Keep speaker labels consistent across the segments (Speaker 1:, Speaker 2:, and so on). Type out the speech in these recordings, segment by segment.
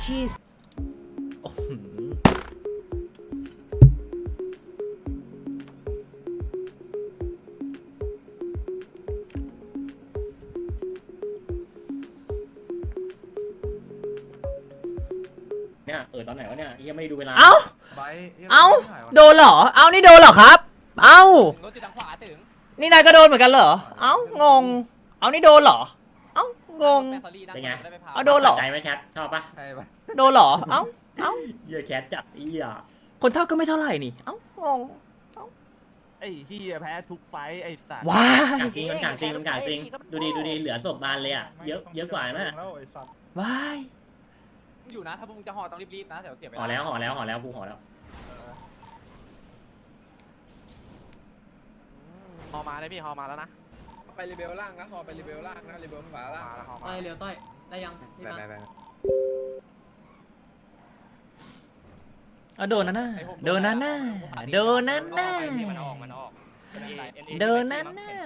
Speaker 1: ชีส
Speaker 2: เนี่ยตอนไหนวะเนี่ยยังไม่ดูเวลา
Speaker 3: เอ้าโดนเหรอ เอ้านี่โดนเหรอครับ เอ้ารถติดทางขวาถึงนี่นายก็โดนเหมือนกันเหรอ เอ้างง เอ้านี่โดนเหรอ เอ้างง
Speaker 2: เป็นไง
Speaker 3: เอาโดนเหรอ
Speaker 2: ใจไหมแชทชอบปะ
Speaker 4: ใช่ปะ
Speaker 3: โดนเหรอ เอ้าเอ้า
Speaker 2: เหี้ยแชทจัดเหี้ย
Speaker 3: คนเท่าก็ไม่เท่าไหร่นี่ เอ้างง
Speaker 4: ไอ้ที่แพ้ทุกไฟไอ้สัตว์
Speaker 3: ว้าก
Speaker 2: างจริงมันกางจริงมันกางจริงดูดีเหลือศพบานเลยอ่ะเยอะกว่านะ
Speaker 3: ว้าย
Speaker 5: อยู่นะถ้าพวกมึงจะห่อต้องรีบๆนะเดี๋ยวเสียเวลา
Speaker 2: ห่อแล้วกูห่อแล้ว
Speaker 4: ฮอมาได้พี่ฮอมาแล้วนะ
Speaker 5: ไปรีเบลล่างนะห่อไปรีเบลล่างนะรีเบลขวาล่าง
Speaker 4: มาแล้วฮอมา
Speaker 6: ต้อยเร็วต้อยได้ยังนี่มา
Speaker 3: เอาโดนนั่นน่ะโดนนั่นน่ะโดนนั่นน่ะ
Speaker 5: มันออก
Speaker 3: โดนนั่นน่ะ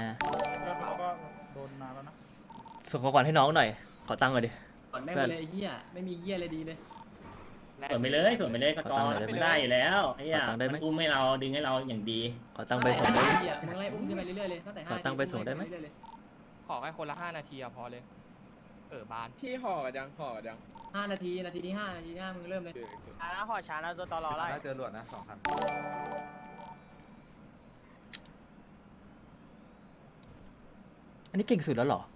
Speaker 3: ส่งของขวัญให้น้องหน่อย ขอตังค์หน่อยดิ
Speaker 6: ก่อนแม่งเลยไอ้เหี้ยไม่มีเหี้ยอะไรดีเลย
Speaker 2: เปิดไปเลยก็กอไม่ได้อยู่แล้วไอ้เหี้ย
Speaker 3: ขอตังค์ได้ไหม
Speaker 2: มันอุ้มให้เราดึงให้เราอย่างดี
Speaker 3: ขอตังค์ไปส่งได้ไหม
Speaker 6: เหี้ยมึงไล่อุ้มขึ้นไปเรื่อยๆเลยตั้งแต่
Speaker 3: ขอตังค์ไปส่งได้ไหม
Speaker 7: ขอแค่คนละ5 นาทีอะพอเลยบาน
Speaker 5: พี่ห่อกันยัง
Speaker 6: 5 นาทีนาทีที่5มึงเริ่มเลย
Speaker 4: ช้านะฮอช้านะตัวตอรอไล่เจอหลวดนะ2,000
Speaker 3: อันนี้เก่งสุดแล้วเหรอ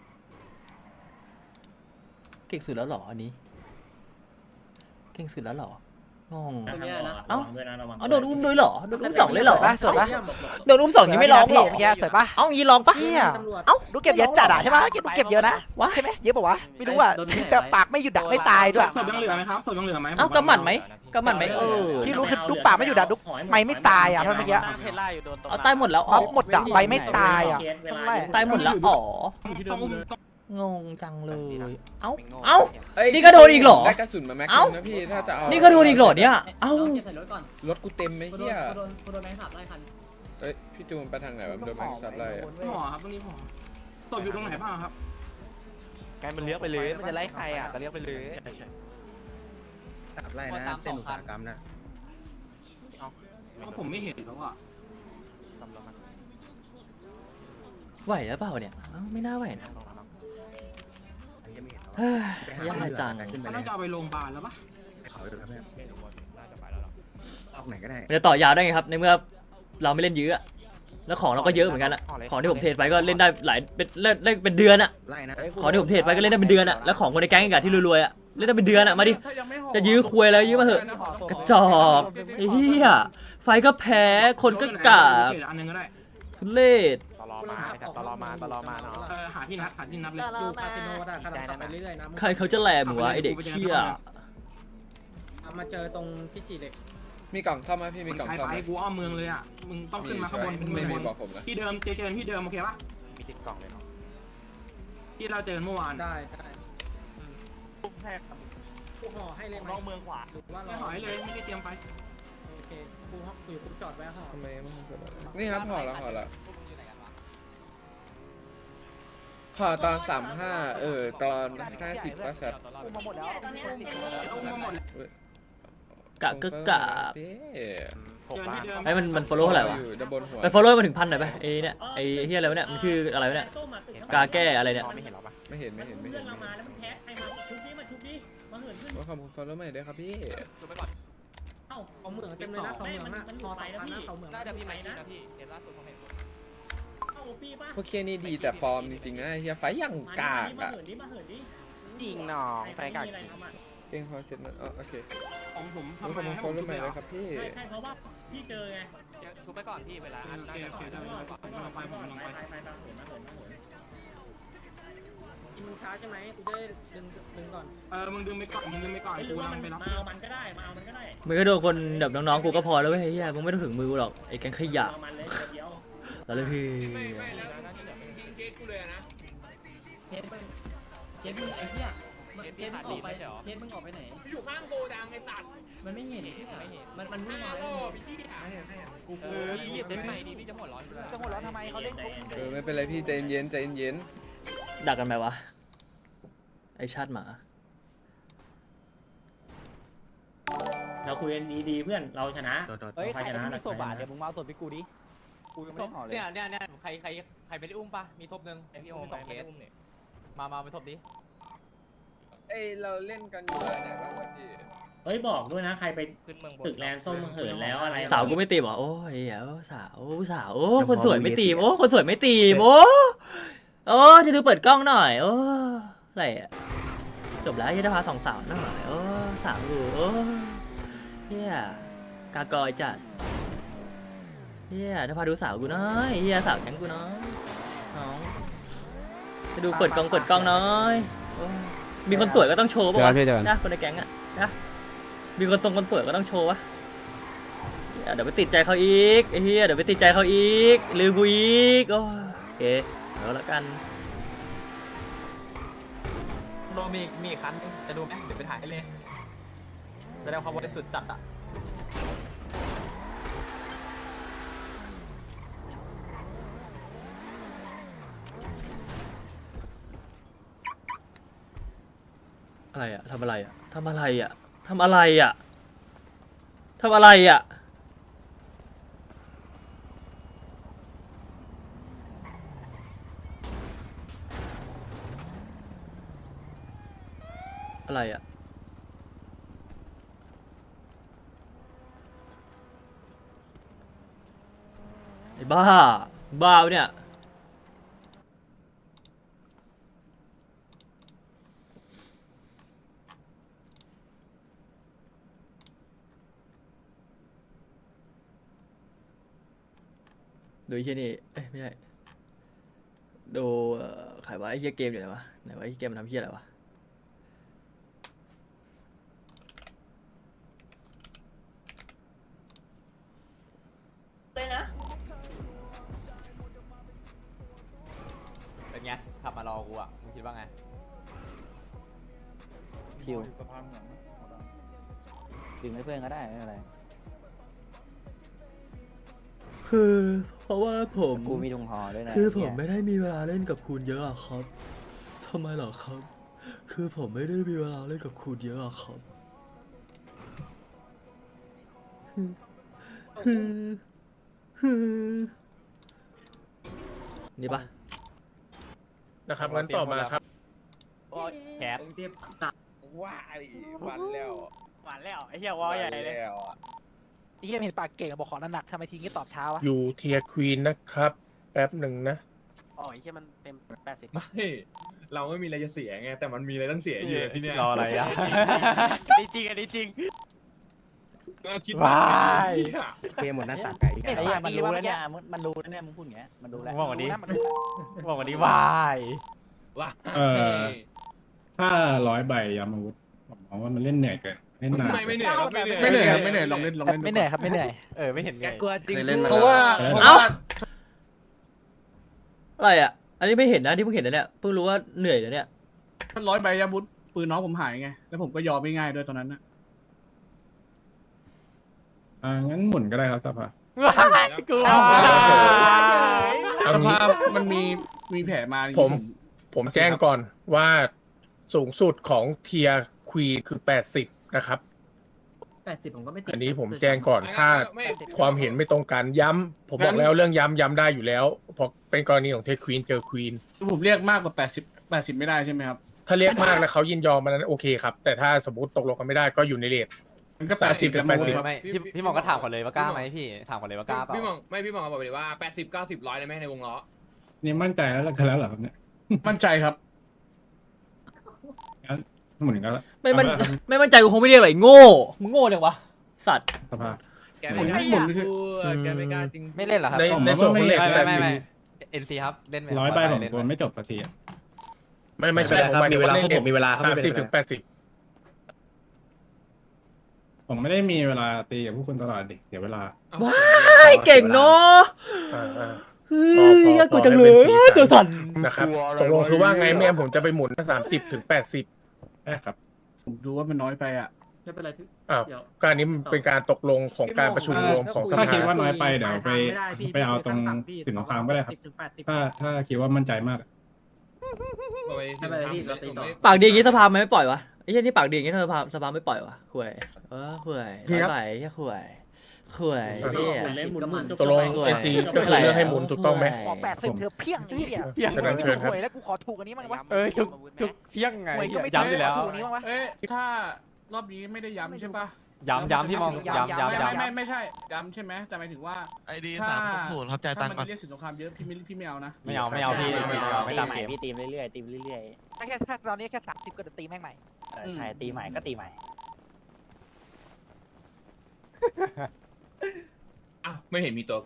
Speaker 3: เก่งสุดแล้วเหรออันนี้ เก่งสุดแล้วเหรองง
Speaker 2: เอ้าด้วยนะระวัง
Speaker 3: เอาโดนอุ้มด้วยเหรอ โดนอุ้มสองเลยเหรอ
Speaker 8: สวยปะ
Speaker 3: โดนอุ้มสองยังไม่ร้องเหรอ
Speaker 8: เมื่อกี้สวยปะ
Speaker 3: เอ้ายีร้องปะ
Speaker 8: เฮีย
Speaker 3: เอ้า
Speaker 8: ดูเก็บเยอะจัดอะใช่ปะเก็บเยอะนะ
Speaker 3: วะ
Speaker 8: ใช่ไหมเยอะปะวะไม่รู้อะแต่ปากไม่หยุดดักไม่ตายด้วย
Speaker 7: ศพยังเหลือไหมครับศพยังเหลือไหม
Speaker 3: เอ้ากำหมัดไหมกำหมัดไหม
Speaker 8: ที่รู้คือลูกปากไม่หยุดดักลูกไม่ตายอะเพราะเมื่อกี้
Speaker 4: เทล่าอยู่โดนตรง
Speaker 3: เอาตายหมดแล้ว
Speaker 8: เอาหมดดักไปไม่ตายอะ
Speaker 3: ตายหมดแล้วอ๋อ
Speaker 7: ต้อง
Speaker 3: งงจังเลย เอ้า เอ้า นี่ก็โดนอีกเหรอ
Speaker 5: ได้กระสุนมาแม็ก
Speaker 3: เอ้า
Speaker 5: นะพี่ถ้าจะเอา
Speaker 3: นี่ก็โดนอีกเหรอเนี่ย เอ้า
Speaker 6: เก็บใส่รถก่อน
Speaker 5: รถกูเต็มไหม
Speaker 6: กูโด
Speaker 5: เฮีย
Speaker 6: นแมงขับไล่คัน
Speaker 5: เอ้ยพี่จูนไปทางไหนวะโดนแม็กซับไล่อะ
Speaker 7: หมอครับตรงนี้หมอศพอยู่ตรงไหนบ้างครับ
Speaker 4: ไงมันเลี้ยงไปเลยมันจะไล่ใครอ่ะก็เลี้ยงไปเลย
Speaker 9: ตับไล่นะเส้นอุตสาหกรรมนะ
Speaker 7: ผมไม่เห็นแล้วอ่ะ
Speaker 3: ไหวแล้วเปล่าเนี่ยเอ้าไม่น่าไหวนะเฮ้ยยากจัง
Speaker 9: ขึ้นไป
Speaker 7: เขา
Speaker 9: เล
Speaker 7: น่าย จะเอาไปโรงพยาบาลแล้วปะ
Speaker 9: เขาอยู่แล้วเพื่อนออกไหนก็ได้
Speaker 3: มันจะต่อยาวได้ไงครับในเมื่อเราไม่เล่นยื้ออะแล้วของเราก็เยอะเหมือนกันละของที่ผมเทรดไปก็เล่นได้หลายเป็นเดือนอะ
Speaker 9: ไล่นะ
Speaker 3: ของที่ผมเทรดไปก็เล่นได้เป็นเดือนอะแล้วของคนในแก๊งอีกอะที่รวยๆอะเล่นได้เป็นเดือนอะมาดิจะยื้อคุยอะไรยื้อมาเถอะกระจอกไอ้เหี้ยไฟก็แพ้คนก็กาก
Speaker 7: อันนึงก็ได้
Speaker 3: ทุเรศ
Speaker 4: ตลอมาตลอมาเนาะ
Speaker 7: หาที่นัดเลย
Speaker 6: ดูคาสิโนได้ขนาดไปเรื่อยๆนะ
Speaker 3: ใครเขาจะแหลมวะไอเด็กเชี่ย
Speaker 6: มาเจอตรงที่จีเด็ก
Speaker 5: มีกล่องซ่อมไหมพี่มีกล่อง
Speaker 7: ใคร
Speaker 5: ซ่อม
Speaker 7: ไป
Speaker 5: ไหม
Speaker 7: กูอ้อมเมืองเลยอ่ะมึงต้องขึ้นมาข้างบน
Speaker 5: ไม่มีบอกผมนะ
Speaker 7: ที่เดิมเจอที่เดิมโอเคปะ
Speaker 4: มีติดกล่องเลยเนาะ
Speaker 7: ที่เราเจอเมื่อวาน
Speaker 6: ได้
Speaker 4: แท็ก
Speaker 6: กูห่อให้เลยไหม
Speaker 4: น้องเมืองขวา
Speaker 6: หรือว่า
Speaker 7: ไม่หอยเลยไม่ได้เตรียมไป
Speaker 6: โอเคกูจอดไว้ห่อ
Speaker 5: ทำไมมันเกิดอะไรนี่ครับห่อแล้วห่อตอน35ตอน50ป่ะสัตว์
Speaker 8: มาหมดแล้ว
Speaker 3: กะกะกะ
Speaker 5: พี่
Speaker 4: ผมว่า
Speaker 3: ไอ้มัน follow เท่าไหร่วะ
Speaker 5: อยู่ด้านบนหัว
Speaker 3: ไป follow มาถึง1,000หน่อยไปไอ้เนี่ยไอ้เฮียอะไรวะเนี่ยมันชื่ออะไรวะเนี่ยกาแก้อะไรเนี่ย
Speaker 4: ไม่เห็นหรอปะ
Speaker 5: ไม่เห็น
Speaker 2: เพื่อนเรามาแล้วมันแพ้ใครมาชุบดิมาเหินขึ้น
Speaker 5: ว่าขอบคุณฟอลโล่ใหม่ด้วยครับพี่
Speaker 2: เอ้า
Speaker 6: เขาเมืองเต็มเลยนะเขาเมืองนะพอสองพันนะเขาเมือง
Speaker 7: น่าจะพี่ไหมนะพี่เห็นล่าสุดผมเห็น
Speaker 2: เอ้าพี่ป่ะ
Speaker 5: พวกเคนี่ดีแต่ฟอร์มจริงๆนะเฮียไฟอย่างกาก
Speaker 2: มา
Speaker 5: อ่ะ
Speaker 2: เหินดิ
Speaker 4: จริงน้องไฟกาก
Speaker 2: อะไรทำอ่ะ
Speaker 5: เก่งพอเสร็จแล้วโอเค
Speaker 7: ของผม
Speaker 5: ขอบ
Speaker 7: ทำไม
Speaker 5: คุณ
Speaker 7: ให้
Speaker 5: ฟ
Speaker 7: ผ
Speaker 5: อล
Speaker 7: ม
Speaker 5: โล่ใหม่ด้วยครับพี่
Speaker 2: ใช่เพราะว่าพี่เจอไง
Speaker 7: ชุบไปก่อนพี่เวลาโอเคได้ไปผมลงไป
Speaker 2: ไปเหินมาเหิน
Speaker 6: กินช้าใช่ไหมกูจะดึงก่อน
Speaker 7: มึงดึงไปก่อน
Speaker 2: หรือ
Speaker 7: กู
Speaker 2: ว่า
Speaker 7: ลั
Speaker 2: มัน
Speaker 7: งไปรับ
Speaker 2: มาเอามันก็ได้มาเอามันก็ได้
Speaker 3: มึงก็โดนคนแบบน้องๆกูก็พอแล้วเว้ยเฮียมึงไม่ต้องถึงมือกูหรอกไอ้แก๊งขยะ
Speaker 2: เอามันเลยเดียว
Speaker 3: แล้วเลยพี่
Speaker 6: เคสมึงไอ้เหี้ยเคสมึงออกไปเคสมึงออกไปไหน
Speaker 7: อยู่ข้างโกดังไอ้สัตว์
Speaker 6: มันไม่เห็นมันวิ่งมา
Speaker 4: กูรีบ
Speaker 7: เซ็ตใหม่ดีพี่จะหัวร้อน
Speaker 8: จะหัวเราะทำไมเขาเล่น
Speaker 5: ไม่เป็นไรพี่ใจเย็น
Speaker 3: ดักกันไหมวะไอชาติหมา
Speaker 2: เราคุยกันดีๆเพื่อนเราชนะ
Speaker 1: เฮ้ยใคร
Speaker 2: ชนะ
Speaker 1: ไม่มีศพอ่ะเดี๋ยวมึงมาเอาศพไปกูดิกูยังไม่ได้ห่อเลย
Speaker 6: เนี่ยใครไม่ได้อุ้มปะมีศพหนึ่ง
Speaker 7: ไอพี่โอม
Speaker 6: สองเค
Speaker 7: ไม่
Speaker 6: ส
Speaker 7: อุ้มเนี่ย
Speaker 6: มาไปศพดิ
Speaker 5: เอ้ยเราเล่นกันอยู่ไหนบ้างวะพี่
Speaker 2: เฮ้ยบอกด้วยนะใครไป
Speaker 7: ขึ้นเมืองบน
Speaker 2: ตึกแลนส้มเหินแล้วอะไร
Speaker 3: สาวกูไม่ตีมเหรอโอ้ยเหี้ยโอ้สาวโอ้คนสวยไม่ตีมโอ้คนสวยไม่ตีมโอ้จะดูเปิดกล้องหน่อยโอ้อะไรอะจบแล้วยังจะพาสองสาวหน่อยโอ้สาวกูโอ้เฮียกากอยจัดเฮียจะพาดูสาวกูน้อยเฮียสาวแข็งกูน้อยน้องจะดูเปิดกล้องน้อยโอ้มีคนสวยก็ต้องโชว์ป่ะวะนะคนในแก๊งอะนะมีคนสวยก็ต้องโชว์วะเดี๋ยวไปติดใจเขาอีกไอ้เฮียเดี๋ยวไปติดใจเขาอีกลืมกูอีกโอเคเดี๋ยวแล้วกัน
Speaker 1: โดมีอีกคันจะดูไหมเดี๋ยวไปถ่ายให้เลยแสดงความบริสุทธิ์จัดอ่ะ
Speaker 3: อะไรอะทำอะไรอะอะไรอะไอ้บ้าปะเนี่ยดูไอ้เฮียนี่เอ้ยไม่ใช่ดูขายว่าไอ้เฮียเกมอยู่ไหนวะไอ้เกมมันทำเฮียอะไรวะ
Speaker 6: เลยนะ
Speaker 1: เป็นไงขับมารอกูอ่ะมึงคิดว่าไงชิวดึงให้เพื่อนก็ได้ไม่เป็นไร
Speaker 3: คือเพราะว่าผม
Speaker 1: กูมีถุงห่อด้วยนะ
Speaker 3: คือผมไม่ได้มีเวลาเล่นกับคุณเยอะอะครับทำไมเหรอครับ คือผมไม่ได้มีเวลาเล่นกับคุณเยอะอะครับนี่ปะ
Speaker 9: นะครับงั้นต่อมาครับ
Speaker 1: แคท
Speaker 5: ว้ายวันแล้ว
Speaker 8: หวานแล้วไอ้เหี้ยวอใหญ่เลย
Speaker 5: แล้วอะ
Speaker 8: ไอ้เหี้ยเห็นปากเก่งบอกขอหนักๆทำไมทีนี้ตอบเช้าวะ
Speaker 9: อยู่เทียร์ควีนนะครับ แป๊บหนึ่งนะ
Speaker 8: อ๋อไอ้เหี้ยมันเต็ม80
Speaker 4: ไม่เราไม่มีอะไรจะเสียไงแต่มันมีอะไรต้องเสียอยู่ที่เนี่ย
Speaker 1: รออะไรอ่ะ
Speaker 8: ดีจริงอันนี้จริง
Speaker 4: คิด
Speaker 1: ว้าย
Speaker 10: เกมหมดหน้าตักไก่
Speaker 8: เห็น
Speaker 1: ไอ้
Speaker 8: ปา
Speaker 1: เหี้
Speaker 8: ก
Speaker 1: ยมัน
Speaker 8: ดี
Speaker 1: รู้
Speaker 8: ว่า
Speaker 1: แล้ว
Speaker 8: เมื่อกี้
Speaker 1: เนี่ยมันรู้แล้วเนี่ยมึงพูดอย่างเงี้ยมันรู้แล้ว
Speaker 8: บอกว่าดีมัน
Speaker 1: บอกว่าดีวาย
Speaker 4: ว่า
Speaker 10: ถ้า100 ใบยามาวุธผมมองว่ามันเล่นเหนื่อยเกินเล่นนาน
Speaker 4: ไม่เหนื่อยครับไม่เหนื่อย
Speaker 10: ไม่เหนื่อยครับไม่เหนื่อยลองเล่นลองเล่น
Speaker 8: ไม่เหนื่อยครับไม่เหนื่อย
Speaker 1: ไม่เห็นไง
Speaker 5: เคยเล่นมา
Speaker 9: เพราะว่า
Speaker 3: เอ้าอะไรอะอันนี้ไม่เห็นนะที่เพิ่งเห็นนะเนี่ยเพิ่งรู้ว่าเหนื่อยนะเนี่ย
Speaker 10: 100 ใบยาวุธปืนน้องผมหายไงแล้วผมก็ยอมไม่ง่ายด้วยตอนนั้นนะงั้นหมุนก็ได้ครับสภา
Speaker 1: กู
Speaker 10: สภามันมีแผลมา
Speaker 9: ผมแจ้งก่อนว่าสูงสุดของเทียร์ควีนคือ 80 นะครับ
Speaker 6: 80ผมก็ไม่ติด
Speaker 9: อันนี้ผมแจ้งก่อนถ้าความเห็นไม่ตรงกันย้ำผมบอกแล้วเรื่องย้ำได้อยู่แล้วเพราะเป็นกรณีของเทียร์ควีนเจอควีน
Speaker 10: ผมเรียกมากกว่า80ไม่ได้ใช่ไหมครับ
Speaker 9: ถ้าเรียกมากแล้วเขายินยอมมันนั้นโอเคครับ แต่ถ้าสมมติตกลงกันไม่ได้ก็อยู่ในเรท
Speaker 10: มันก็
Speaker 9: 30
Speaker 10: ถึง
Speaker 9: 80
Speaker 1: ไม่พี่มองก็ถามก่อนเลยว่ากล้าไหมพี่ถามก่อนเลยว่ากล้าเปล่า
Speaker 4: พี่มองบอกเลยว่า80 90 100ได้ไหมในวงล้อ
Speaker 10: นี่มั่นใจแล้วกันแล้วเหรอครับเนี่ยมั่นใจครับหมุนก็แล้ว
Speaker 3: ไม่มั่นใจกูคงไม่เรียกหรอกไอ้โง่มึงโง่จังวะสัตว์
Speaker 10: สภา
Speaker 4: แกไม่กล้าพูดแกไม่กล้าจริง
Speaker 8: ไม่เล่นเหรอครับ
Speaker 9: ในส่วนของเรท
Speaker 1: ไม่ NC ครับเล่น
Speaker 10: 100 ใบผมกลัวไม่จบสักที
Speaker 9: ไม่ใช่ผมหมายถึงว่าเล่นเรท30 ถึง 80
Speaker 10: ผมไม่ได้มีเวลาตีกับผู้คนตลอดดิเดี๋ยวเวลา
Speaker 3: ว้ายเก่งเนาะเฮ้ยยากกว่าจังเลยตัวสั่น
Speaker 9: นะครับตกลงคือว่าไงแม่ผมจะไปหมุน30 ถึง 80
Speaker 10: ได้ครับผมดูว่ามันน้อยไปอ่ะ
Speaker 6: ไม่เป็นไรพี่
Speaker 9: อ้าวการนี้เป็นการตกลงของการประชุมรวมของส
Speaker 10: ถ้า
Speaker 9: ภา
Speaker 10: คิดว่าน้อยไปเดี๋ยวไปเอาตรงสินสงครามก็ได้ครับถ้าคิดว่ามั่นใจมาก
Speaker 6: ไม่เป็นไรพี่เราตีต่อ
Speaker 3: ปากดีอย่างงี้สภามันไม่ปล่อยวะไอ้เหี้ยนี่ปากดีอย่างเงี้ยทำไมสภาไม่ปล่อยวะข่วยข่วยร้อยใบแค่ข่วยเนี่ย
Speaker 2: หมุนเล่นหมุนหมุน
Speaker 9: ตกลง NC ก็คือเรื่องให้หมุนถูกต้องไหม
Speaker 8: ขอ80เธอเพี้ยงไอ้เหี้ย
Speaker 9: ฉะนั้นเชิญครับ
Speaker 8: หวยแล้วกูขอถูกอันนี้มั้งวะ
Speaker 7: ทุกเพี้ยงไง
Speaker 8: หวยก็ไม่
Speaker 7: ย้ำอยู่แล้ว
Speaker 8: ถูกอันนี้มั้งวะ
Speaker 11: เอ๊ะถ้ารอบนี้ไม่ได้ย้ำใช่ปะ
Speaker 7: ย้ำพี่มองย้ำ
Speaker 11: ไม่ใช่ย้ำใช่ไหมแต่หมายถึงว่า
Speaker 12: ไอดี
Speaker 11: ถ้า
Speaker 12: 360ครับจ่ายตังค์
Speaker 11: มั
Speaker 12: ก่อน
Speaker 11: นเรียกสินสงครามเยอะพี่ไม่เอานะ
Speaker 7: ไม่เอาพี่ไม่ตามเกม
Speaker 6: พี่ตีมเรื่อยๆตีมเรื่อย
Speaker 8: แค่ตอนนี้แค่30ก็จะตีแม่งใหม่
Speaker 6: ๆใช่ตีใหม่ก็ตีใหม่
Speaker 12: อ้าวไม่เห็นมีตัว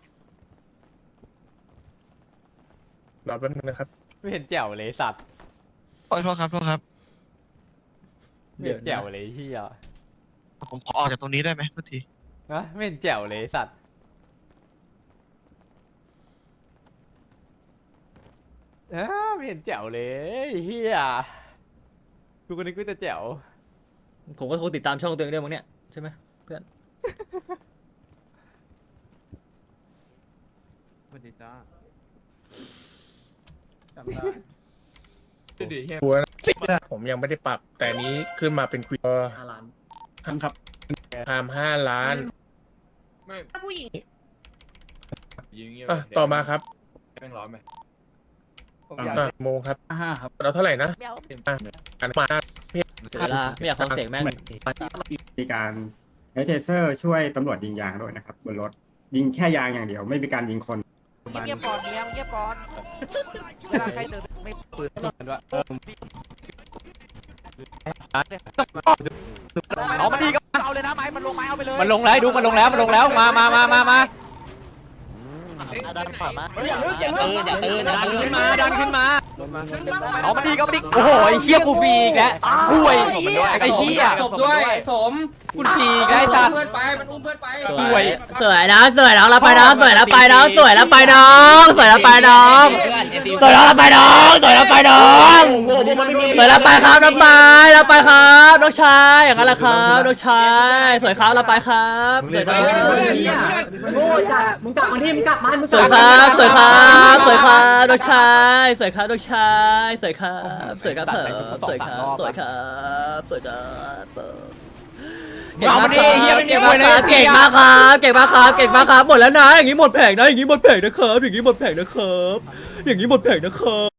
Speaker 9: รอแป๊บนึงนะครับ
Speaker 7: ไม่เห็นแจ๋วเลยสัตว์
Speaker 12: โอ้ยโทษครับโทษครับ
Speaker 7: ไม่เห็นแจ๋วเลยเฮีย
Speaker 12: ผมขอออกจากตรงนี้ได้ไหมทุกที
Speaker 7: นะไม่เห็นแจ๋วเลยสัตว์ไม่เห็นแจ๋วเลยเฮียกูคนนี้กูจะแจ๋ว
Speaker 3: ผมก็คงติดตามช่องตัวเองด้วยมั้งเนี่ยใช่ไหมเพื่อน
Speaker 1: สวัสดีจ้า
Speaker 11: จำได้
Speaker 9: หัวนะผมยังไม่ได้ปรับ แต่อันนี้ขึ้นมาเป็นควีน
Speaker 6: 5 ล้าน
Speaker 10: ครับ
Speaker 9: ทาม5 ล้าน
Speaker 12: ผู้หญิงยิงเงี้ย
Speaker 9: อ่ะต่อมาครับ
Speaker 12: แม่งร้อนไหม
Speaker 9: โมงครับ
Speaker 11: ครับ
Speaker 9: เราเท่าไหร่นะ
Speaker 8: ไม่เอา
Speaker 9: อันมา
Speaker 3: เสียเวลาไม่อยากฟังเสียงแม่ง
Speaker 10: มีการใช้เทเซอร์ช่วยตำรวจยิงยางด้วยนะครับบนรถยิงแค่ยางอย่างเดียวไม่มีการยิงคน
Speaker 8: เงียบก่อนเงียบก่อนเวลาใครเดินไม่ปืนเอามาดีก็เอาเลยนะไม้มันลงไม้เอาไปเลย
Speaker 7: มันลงแล้วดูมันลงแล้วมา
Speaker 8: ดันขวามา
Speaker 6: อย่าตื่น
Speaker 7: ดันขึ้นมา
Speaker 8: เอามาดีก็มาดี
Speaker 7: โอ้โหไอ้เฮียกูปีอีกแล้วห่วยไอ้เฮีย
Speaker 6: ศพด้วยสม
Speaker 7: กูปีอีกแล้วไอ้สัตว์
Speaker 6: มันอุ้มเพื่อนไป
Speaker 7: ห่วย
Speaker 3: สวยนะเราไปน้องสวยแล้วไปน้องสวยแล้วไปน้องสวยแล้วไปน้องสวยแล้วไปน้องสวยแล้วไปน้องสวยแล้วไปครับน้องไปเราไปครับน้องชายอย่างนั้นแหละครับน้องชายสวยครับเราไปครับสวยน้อง
Speaker 6: โง่จ้ะมึงกลับมาที่มึงกลับมามึง
Speaker 3: สวยครับสวยครับสวยครับน้องชายสวยครับน้องชายสวยครับสวยครับเถอะสวยครับสวยครับสวยครับเก่งมากครับเก่งมากครับเก่งมากครับเก่งมากครับหมดแล้วนะอย่างนี้หมดแผงนะอย่างนี้หมดแผงนะครับอย่างนี้หมดแผงนะครับอย่างนี้หมดแผงนะครับ